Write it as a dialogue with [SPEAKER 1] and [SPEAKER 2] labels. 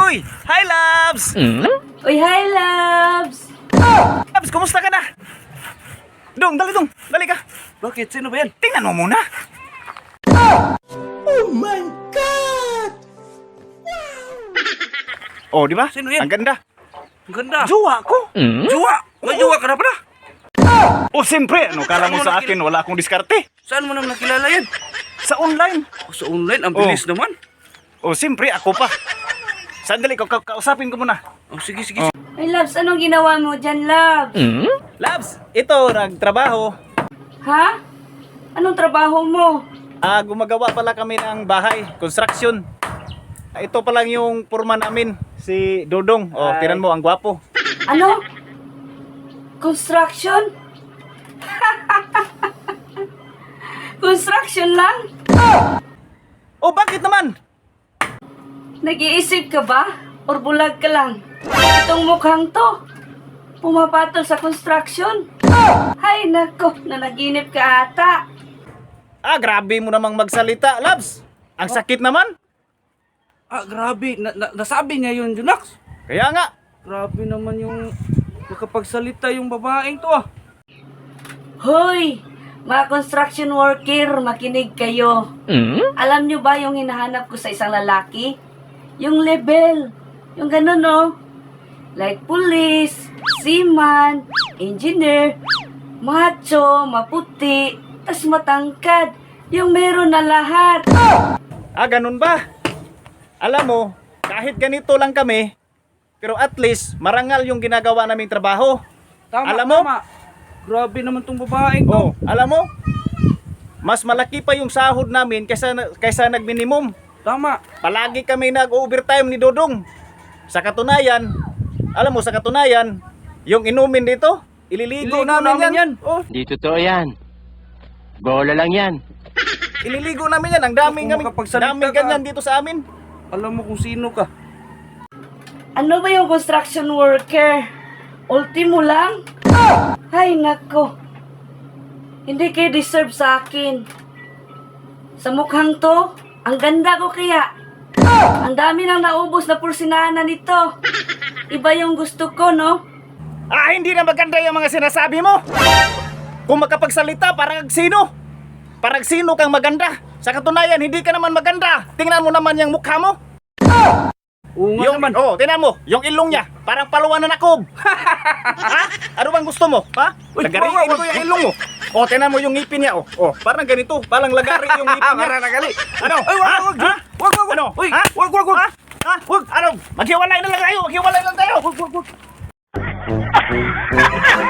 [SPEAKER 1] Uy! Hi, Labs!
[SPEAKER 2] Uy, hi, loves!
[SPEAKER 1] Labs, kumusta ka na? Dong, dali dong. Dali ka.
[SPEAKER 3] Bakit? Sino ba yan?
[SPEAKER 1] Tingnan mo muna.
[SPEAKER 3] Oh my God!
[SPEAKER 1] Oh, di ba?
[SPEAKER 3] Sino yan?
[SPEAKER 1] Ang ganda.
[SPEAKER 3] Ang ganda.
[SPEAKER 1] Jowa ko.
[SPEAKER 3] Jowa! May jowa ka na pala?
[SPEAKER 1] Oh, siyempre. Ano kala mo sa akin? Wala akong diskarte.
[SPEAKER 3] Saan mo naman nakilala yan?
[SPEAKER 1] Sa online.
[SPEAKER 3] Sa online, ang bilis naman.
[SPEAKER 1] Oh, siyempre. Ako pa. Sandali, kausapin ko muna.
[SPEAKER 3] Oh, sige, sige.
[SPEAKER 2] Ay, loves, anong ginawa mo dyan, loves?
[SPEAKER 1] Labs, ito, nagtrabaho.
[SPEAKER 2] Ha? Anong trabaho mo?
[SPEAKER 1] Gumagawa pala kami ng bahay, construction. Ito pa lang yung purma namin, si Dodong. Oh, tinan mo, ang gwapo.
[SPEAKER 2] Ano? Construction? Construction lang?
[SPEAKER 1] Oh, bakit naman?
[SPEAKER 2] Nag-iisip ka ba? Or bulag ka lang? Itong mukhang to, pumapatol sa construction. Ay, nako, nanaginip ka ata.
[SPEAKER 1] Grabe mo namang magsalita, Labs. Ang sakit naman.
[SPEAKER 3] Grabe. Nasabi niya yun, Junax.
[SPEAKER 1] Kaya nga.
[SPEAKER 3] Grabe naman yung makapagsalita yung babaeng to
[SPEAKER 2] Hoy, mga construction worker, makinig kayo. Alam nyo ba yung hinahanap ko sa isang lalaki? Yung level. Yung ganun, no? Like police, seaman, engineer, macho, maputi, tas matangkad. Yung meron na lahat.
[SPEAKER 1] Ganun ba? Alam mo, kahit ganito lang kami, pero at least marangal yung ginagawa naming trabaho.
[SPEAKER 3] Tama,
[SPEAKER 1] Alam mo?
[SPEAKER 3] tama. Grabe naman tong babaeng to.
[SPEAKER 1] Oh, alam mo? Mas malaki pa yung sahod namin kaysa nag-minimum.
[SPEAKER 3] Tama.
[SPEAKER 1] Palagi kami nag-overtime ni Dodong. Sa katunayan, alam mo, sa katunayan, yung inumin dito, ililigo namin yan. Oh,
[SPEAKER 4] Di totoo yan. Bola lang yan.
[SPEAKER 1] ililigo namin yan. Ang daming,
[SPEAKER 3] Kung makapagsalita
[SPEAKER 1] daming
[SPEAKER 3] ka.
[SPEAKER 1] ganyan dito sa amin.
[SPEAKER 3] Alam mo kung sino ka.
[SPEAKER 2] Ano ba yung construction worker? Ultimo lang? Ay, nako. Hindi kayo deserve sa akin. Sa mukhang to, ang ganda ko kaya. Ang dami nang naubos na pursinana nito. Iba yung gusto ko, no?
[SPEAKER 1] Hindi na maganda yung mga sinasabi mo. Kung makapagsalita, parang sino? Parang sino kang maganda? Sa katunayan, hindi ka naman maganda. Tingnan mo naman yung mukha mo.
[SPEAKER 3] Oo nga
[SPEAKER 1] Yung,
[SPEAKER 3] naman.
[SPEAKER 1] tingnan mo, yung ilong niya, parang paluan na nakob. Ha? Ano bang gusto mo? Ha?
[SPEAKER 3] Uy,
[SPEAKER 1] Lagariin
[SPEAKER 3] wag,
[SPEAKER 1] ko yung ilong mo. Tingnan mo yung ngipin niya. Parang ganito, parang lagari yung ngipin niya.
[SPEAKER 3] Parang nagali.
[SPEAKER 1] Ano?
[SPEAKER 3] Ay,
[SPEAKER 1] Ha?
[SPEAKER 3] wag.
[SPEAKER 1] Ha?
[SPEAKER 3] Wag.
[SPEAKER 1] Ano?
[SPEAKER 3] Uy,
[SPEAKER 1] Ha?
[SPEAKER 3] wag.
[SPEAKER 1] Ha? Wag. Ano? Maghiwalay na lang tayo. Maghiwalay lang tayo.
[SPEAKER 3] Wag.